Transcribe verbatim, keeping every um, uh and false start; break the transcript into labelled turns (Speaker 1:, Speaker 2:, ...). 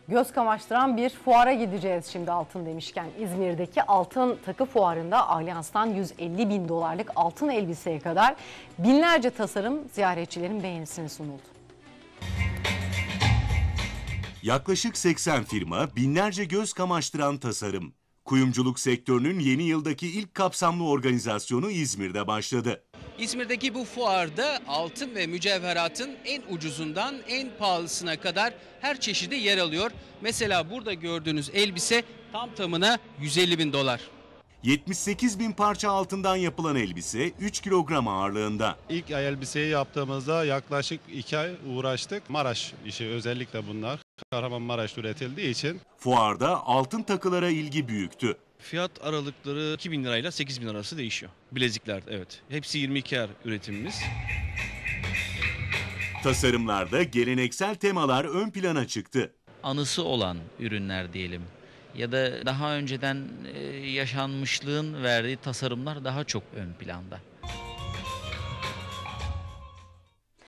Speaker 1: Göz kamaştıran bir fuara gideceğiz şimdi altın demişken. İzmir'deki altın takı fuarında Alyans'tan yüz elli bin dolarlık altın elbiseye kadar binlerce tasarım ziyaretçilerin beğenisine sunuldu.
Speaker 2: Yaklaşık seksen firma, binlerce göz kamaştıran tasarım. Kuyumculuk sektörünün yeni yıldaki ilk kapsamlı organizasyonu İzmir'de başladı.
Speaker 3: İzmir'deki bu fuarda altın ve mücevheratın en ucuzundan en pahalısına kadar her çeşidi yer alıyor. Mesela burada gördüğünüz elbise tam tamına yüz elli bin dolar.
Speaker 2: yetmiş sekiz bin parça altından yapılan elbise üç kilogram ağırlığında.
Speaker 4: İlk elbiseyi yaptığımızda yaklaşık iki ay uğraştık. Maraş işi özellikle bunlar. Kahramanmaraş'ta üretildiği için.
Speaker 2: Fuarda altın takılara ilgi büyüktü.
Speaker 5: Fiyat aralıkları iki bin lirayla sekiz bin arası değişiyor. Bilezikler, evet. Hepsi yirmi iki er üretimimiz.
Speaker 2: Tasarımlarda geleneksel temalar ön plana çıktı.
Speaker 6: Anısı olan ürünler diyelim ya da daha önceden yaşanmışlığın verdiği tasarımlar daha çok ön planda.